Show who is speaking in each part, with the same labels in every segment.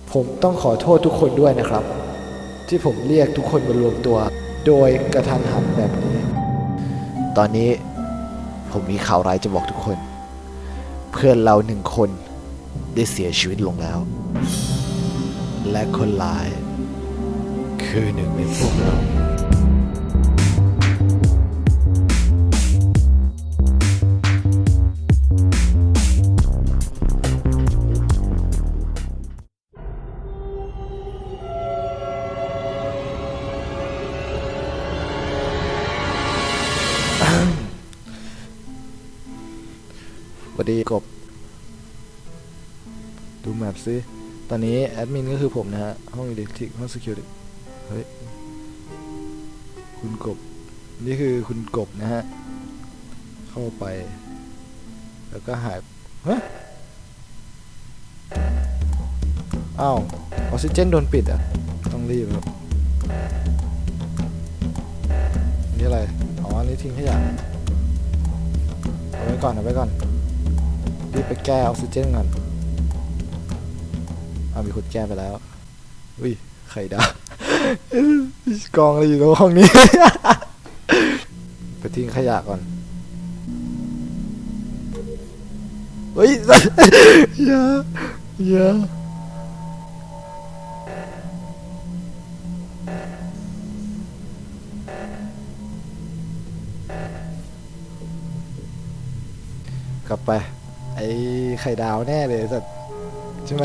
Speaker 1: ผมต้องขอโทษทุกคนด้วยนะครับที่ผมเรียกทุกคนมารวมตัวโดยกระทันหันแบบนี้ตอนนี้ผมมีข่าวร้ายจะบอกทุกคนเพื่อนเรา1 คนได้เสียชีวิตลงแล้วและคนร้ายคือหนึ่งในพวกเราสวัสดีกบดูแมปซิตอนนี้แอดมินก็คือผมนะฮะห้องอิเล็กทริกห้อง security เฮ้ยคุณกบนี่คือคุณกบนะฮะเข้าไปแล้วก็หายเฮ้ยอ้าวออกซิเจนโดนปิดอ่ะต้องรีบครับนี่อะไรอ๋ออันนี้ทิ้งขยะเอาไว้ก่อนรีบไปแก้ออกซิเจนก่อนมีคนแก้ไปแล้วอุ้ยไข่ดาวกองอะไรอยู่ตรงห้องนี้ ไปทิ้งขยะก่อนเฮ้ย อย่ากลับไปไอ้ไข่ดาวแน่เลยสัตว์ใช่ไหม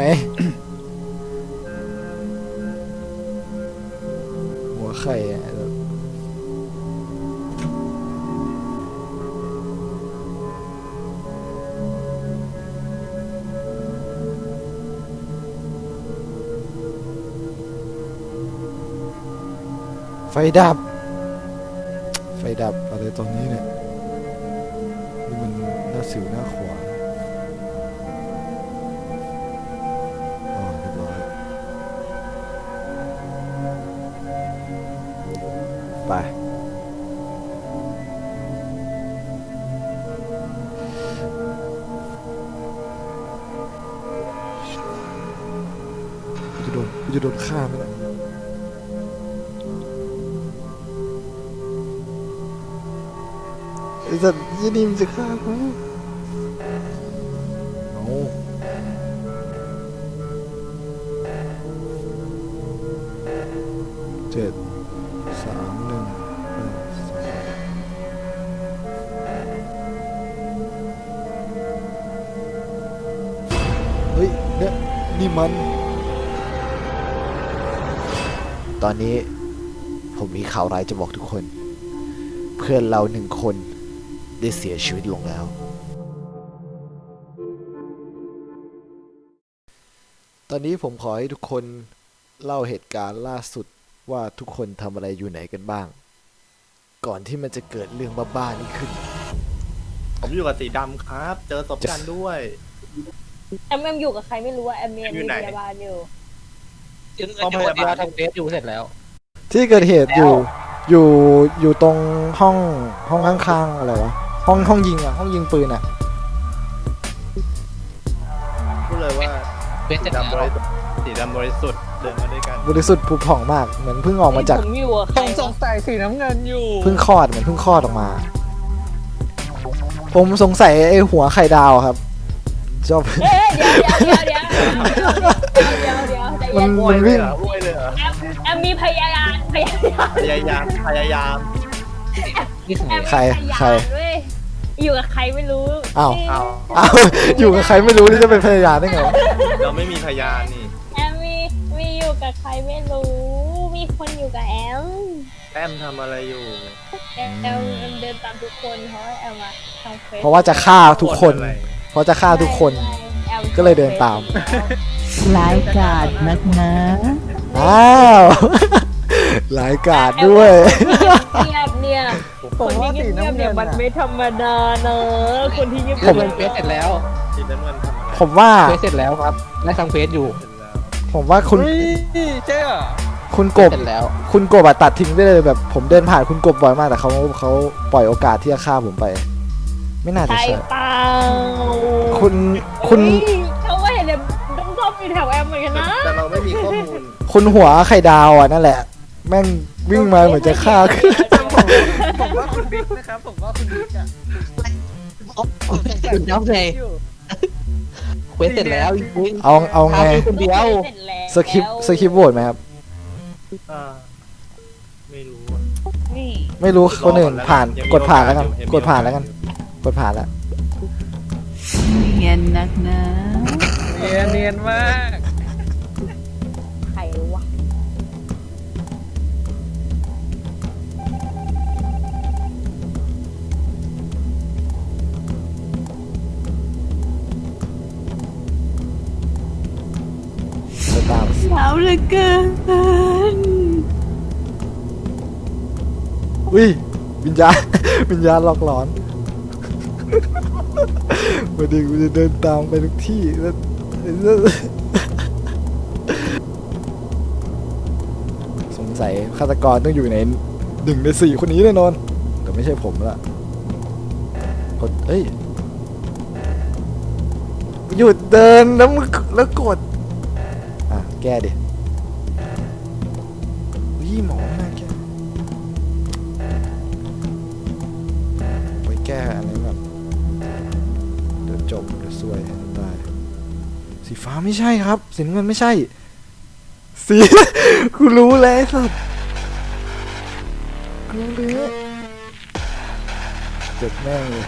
Speaker 1: หัวไข่ไฟดับอะไรตรงนี้เนี่ยนี่มันหน้าสิวหน้าขวานอ๋อเรียบร้อยไปกูจะโดนฆ่าไหมล่ะไอ้สัตว์ยี่นี่มันจะฆ่ากูโอ้7 3 1 8 2เฮ้ยเนี่ยนี่มันตอนนี้ผมมีข่าวร้ายจะบอกทุกคนเพื่อนเรา1 คนได้เสียชีวิตลงแล้วตอนนี้ผมขอให้ทุกคนเล่าเหตุการณ์ล่าสุดว่าทุกคนทำอะไรอยู่ไหนกันบ้างก่อนที่มันจะเกิดเรื่องบ้าๆนี้ขึ้น
Speaker 2: ผมอยู่กับสีดำครับ เจอศพกันด้วย
Speaker 3: แอมอยู่กับใครไม่รู้ว่าแอมมีพยาบาลอยู่
Speaker 2: ห้องพยาบาล
Speaker 4: ทำเฟสอยู่เสร็จแล้ว
Speaker 1: ที่เกิดเหตุอยู่ตรงห้องข้างๆอะไรวะห้องยิงอ่ะห้องยิงปืนอ่ะ
Speaker 2: พูดเลยว่าสีดำบริสุทธิ์เดินมาด้วยกัน
Speaker 1: บริสุทธิ์ผุผ่องมากเหมือนเพิ่งออกมาจาก
Speaker 3: ผมอยู่กับใคร
Speaker 4: สงสัยสีน้ำเงินอยู่
Speaker 1: เพิ่งคลอดเหมือนเพิ่งคลอดออกมาผมสงสัยไอ้หัวไข่ดาวครับชอบ
Speaker 3: เดี๋ยว
Speaker 1: มันวิ่ง
Speaker 3: แอมมีพยายาม
Speaker 1: ใคร
Speaker 3: อยู่กับใครไม่รู้
Speaker 1: อ้าวอยู่กับใครไม่รู้นี่จะเป็นพยานได้ไง
Speaker 2: เราไม่มีพยานนี่
Speaker 3: แอมมีอยู่กับใครไม่รู้มีคนอยู่กับแอม
Speaker 2: ทำอะไรอยู่
Speaker 3: แอมเดินตามทุกคนเพราะแอมมาทำเฟซ
Speaker 1: เพราะว่าจะฆ่าทุกคนก็เลยเดินตาม
Speaker 5: ร้ายกาจนักนะ
Speaker 1: อ้าวร้ายกาจด้วย
Speaker 3: เนี่ยคนที่เงียบเนี่ยมันไม่ธรรมดาเนอะคนที่เงียบ
Speaker 4: ผมเฟสเสร็จแล้ว
Speaker 2: สีน้ำเงินทำอะไร
Speaker 1: ผมว่า
Speaker 4: เฟสเสร็จแล้วครับและทำเฟสอยู่
Speaker 1: ผมว่าคุณ
Speaker 4: เจ๊
Speaker 1: คุณกบคุณกบตัดทิ้งได้เลยแบบผมเดินผ่านคุณกบบ่อยมากแต่เขาปล่อยโอกาสที่จะฆ่าผมไปไม่น่าจะใช่
Speaker 3: เปล่า
Speaker 1: คุณ
Speaker 3: เขาว่าเห็นต้องชอบมีอยู่แถวแอมเหมือนกันนะ
Speaker 2: แต่เราไม่มีข้อมูล
Speaker 1: คุณหัวไข่ดาวอ่ะนั่นแหละ แม่งวิ่งมาเหมือนจะฆ่า
Speaker 4: ผมว่าคุณบิ๊กนะครับ ผมว่าคุณบิ๊กอะ
Speaker 6: คุณน้องเลยเควสเสร็จแล้วจริง
Speaker 1: เอาไง
Speaker 6: คนเดียว
Speaker 3: เสร็จแล้ว
Speaker 1: สคริปต์โหวตไหมครับ
Speaker 2: อ่าไม่รู้อะ
Speaker 3: นี่
Speaker 1: ไม่รู้คนอื่นผ่าน
Speaker 2: ยังมี
Speaker 1: กดผ่านแล้วกัน
Speaker 2: โอกาสอยู่
Speaker 1: กดผ่านแล้วกัน กดผ่านแล้ว
Speaker 5: เงียนนักนะ
Speaker 4: เนียนมาก
Speaker 3: ใครวะ
Speaker 1: จะตาม
Speaker 5: เช้าเหลือเกิน
Speaker 1: อุ้ยวิญญาณ วิญญาณหลอกหลอนวันนี้กูจะเดินตามไปทุกที่แล้วสงสัยฆาตกรต้องอยู่ใน1 ใน 4คนนี้แน่นอนแต่ไม่ใช่ผมละกดเอ้ยหยุดเดินแล้วกดอ่ะแก้ดิวิ่งหมอน่าแก้ไปแก้อะไรแบบเดี๋ยวจบเดี๋ยวซวยตายสีฟ้าไม่ใช่ครับสีน้ำเงินไม่ใช่สี กูรู้แล้วสัสกูรู้แล้วเจ็บแม่งเลย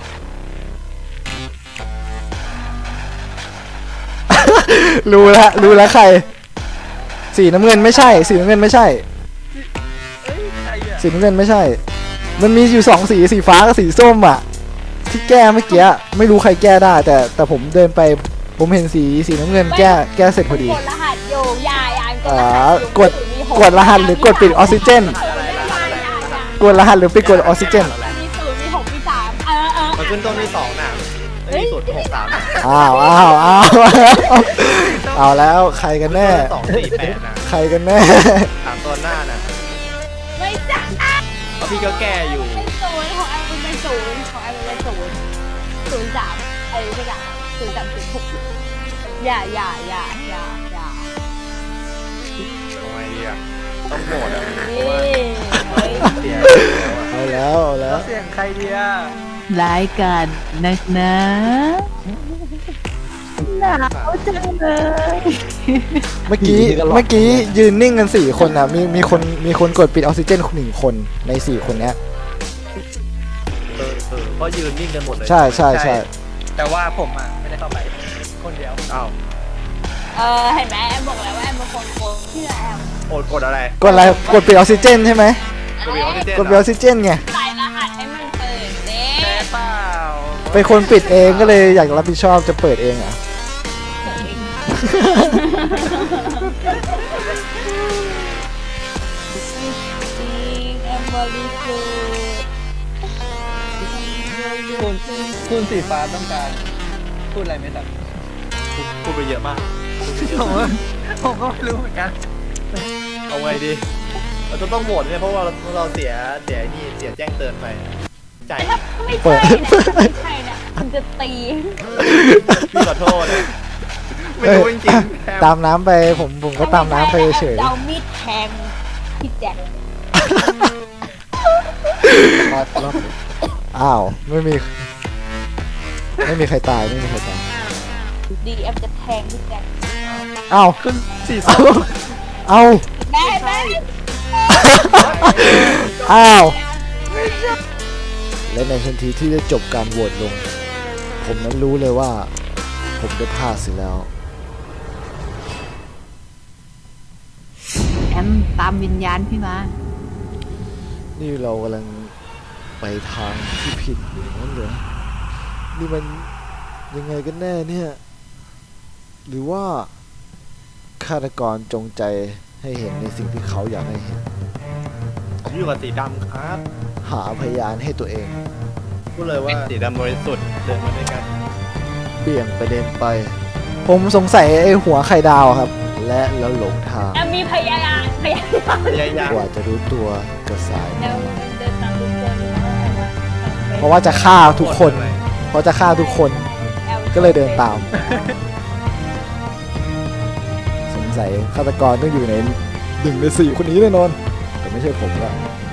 Speaker 1: รู้แล้วใครสีน้ำเงินไม่ใช่สีน้ำเงินไม่ใช่
Speaker 4: เอ้ยใครอะ
Speaker 1: สีน้ำเงินไม่ใช่ มันมีอยู่2 สีสีฟ้ากับสีส้มอ่ะที่แก้เมื่อกี้ไม่รู้ใครแก้ได้ แต่ผมเดินไปผมเห็นสีน้ำเงินแก้เสร็จพอดี
Speaker 3: กดรหัสอยู่ยาย
Speaker 1: กดรหัสหรือกดปิดออกซิเจนกดรหัสหรือปิดกดออกซิเจน
Speaker 3: มี0 มี 6 มี 3
Speaker 2: มันขึ้นต้นที่2น่ะไอ้สุด63น่ะ
Speaker 1: อ้าวเอาแล้วใครกันแน่
Speaker 2: 248น่ะ
Speaker 1: ใครกันแน่
Speaker 2: 3ตัวหน้าน่ะ
Speaker 3: ไม่จ้า
Speaker 2: เพราะพี่ก็แก้อยู่
Speaker 3: เป็น0ของแอมเป็น0ของแอมเป็น0 03ไอ้ไม่จ้ะ0306อย่า
Speaker 2: ทำไมดีอ่ะต้องโหมดอ่ะ
Speaker 3: นี่
Speaker 2: เสีย
Speaker 1: เอาแล้ว
Speaker 4: เสียงใครดีอะ
Speaker 5: รายการนักนะหนาวจังเลย
Speaker 1: เมื่อกี้ยืนนิ่งกัน4 คนอ่ะมีคนกดปิดออกซิเจน1 คนใน4 คนเนี้ย
Speaker 2: เพราะยืนนิ่งกันหมดเลย
Speaker 1: ใช่
Speaker 4: แต่ว่าผมอะไม่ได้เข้าไปคนเดียว
Speaker 2: อ้าว
Speaker 3: เห็นไหมแอมบอกแล้วว่าแอมเป็นคนโกงเชื่อแอม
Speaker 2: กดอะไร
Speaker 1: กดอะไรกดปิดออกซิเจนใช่ไหม
Speaker 2: กดปิดออกซิเจน
Speaker 1: กดปิดออกซิเจนไง
Speaker 3: ใส่รหัสให้มันเปิดเด้
Speaker 4: แช่เปล่า
Speaker 1: เป็นคนปิดเองก็เลยอยากรับผิดชอบจะเปิดเองอ่ะ
Speaker 3: จริงแอมบริสุทธิ์
Speaker 4: คุณสีฟ้าต้องการพูดอะไรไหมครับ
Speaker 2: พูดไปเยอะมาก
Speaker 4: ผมก็ไม่รู้เหมือนกัน
Speaker 2: เอาไงดีเราต้องโหวตเนี่ยเพราะว่าเราเสียแจ้งเตือนไปใจ
Speaker 3: ไม่ใช่นะไม่ใช่นะมันจะตี
Speaker 2: พี่ขอโทษนะไม่รู้จริงๆแทบ
Speaker 1: ตามน้ำไปผมก็ตามน้ำไปเฉย
Speaker 3: เอามีดแทงพี่แจ็ค
Speaker 1: อ้าวไม่มีใครตายไม่มีใครตาย
Speaker 3: ดีแอมจะแทงพี่แจ็ค
Speaker 1: อ้าว
Speaker 2: ขึ้นสี่
Speaker 1: เอา
Speaker 3: แม่แม่
Speaker 1: อ้าวและในทันทีที่ได้จบการโหวตลง ผมนั้นรู้เลยว่า ผมได้พลาดเสิแล้ว
Speaker 5: แอมตามวิญญาณพี่มา
Speaker 1: นี่เรากำลังไปทางที่ผิดอย่างนั้นเหรอนี่มันยังไงกันแน่เนี่ย หรือว่าฆาตกรจงใจให้เห็นในสิ่งที่เขาอยากให้เห็น
Speaker 2: ผมอยู่กับสีดำครับ
Speaker 1: หาพยานให้ตัวเอง
Speaker 2: พูดเลยว่าสีดำบริสุทธิ์เดินมาด้วยกัน
Speaker 1: เบี่ยงประเด็นไป ผมสงสัยไอ้หัวไข่ดาวครับ และแล้วหลงทาง
Speaker 3: แอมมีพยาน
Speaker 2: พยายาม
Speaker 1: กว่าจะรู้ตัวก็สาย
Speaker 3: แอมเดินตามทุกคนอยู่นะ
Speaker 1: เพราะว่าจะฆ่าทุกคน เพราะจะฆ่าทุกคน ก็เลยเดินตามสัยฆาตกรต้องอยู่ใน1 ใน 4คนนี้แน่นอนแต่ไม่ใช่ผมละ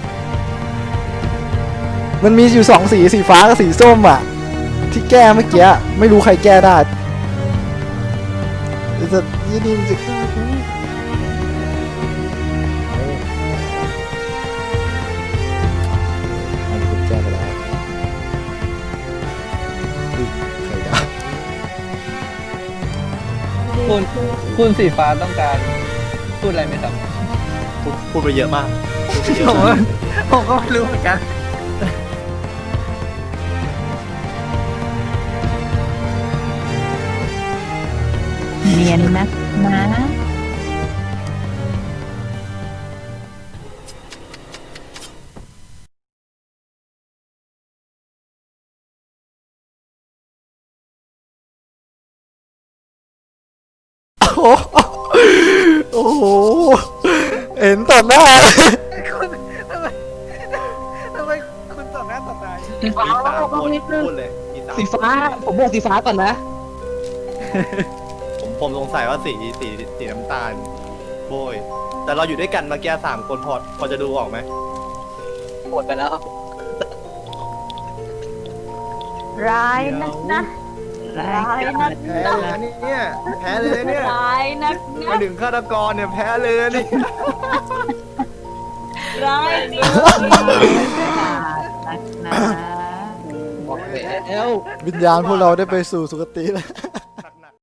Speaker 1: มันมีอยู่2 สีสีฟ้ากับสีส้มอ่ะที่แก้เมื่อกี้ไม่รู้ใครแก้ได้จะยี่นี่มันจะฆ่ากูอันนี้ผมแก้ไปแล้วอุ๊ยใครด่า
Speaker 4: คุณสีฟ้าต้องการพูดอะไรไหมครับ
Speaker 2: พูดไปเยอะมากพูดไปเย
Speaker 4: ผ
Speaker 2: อะ
Speaker 4: ม
Speaker 2: มาก
Speaker 4: ผมก็ไม่รู้เหมือนกัน
Speaker 5: เนียนนักนะ
Speaker 1: โอ้โหเห็นต่อหน้า
Speaker 4: คุณทำไมคุณต่อหน้าต่อตา
Speaker 2: มี3 คนพูดเลยมี3
Speaker 6: สีฟ้า ผมบอกสีฟ้าก่อนนะ
Speaker 2: ผมสงสัยว่าสีน้ำตาลโบยแต่เราอยู่ด้วยกันเมื่อกี้3 คนพอจะดูออกไหม
Speaker 6: หมดไปแล้ว
Speaker 3: ร้ายนักนะ
Speaker 5: ร้า
Speaker 3: ร้าย
Speaker 5: ย
Speaker 3: นัก
Speaker 2: แพ้เลยนะเนี่ยแพ้เลยเนี่ย
Speaker 3: ร้ายนัก
Speaker 2: มา
Speaker 3: นะ
Speaker 2: ถึงฆาตกรเนี่ยแพ้เลยนะนี่
Speaker 3: ร้ายนัก
Speaker 5: นักนะ
Speaker 6: บอกแล้ว
Speaker 1: วิญญาณพวกเราได้ไปสู่สุคติแล้ว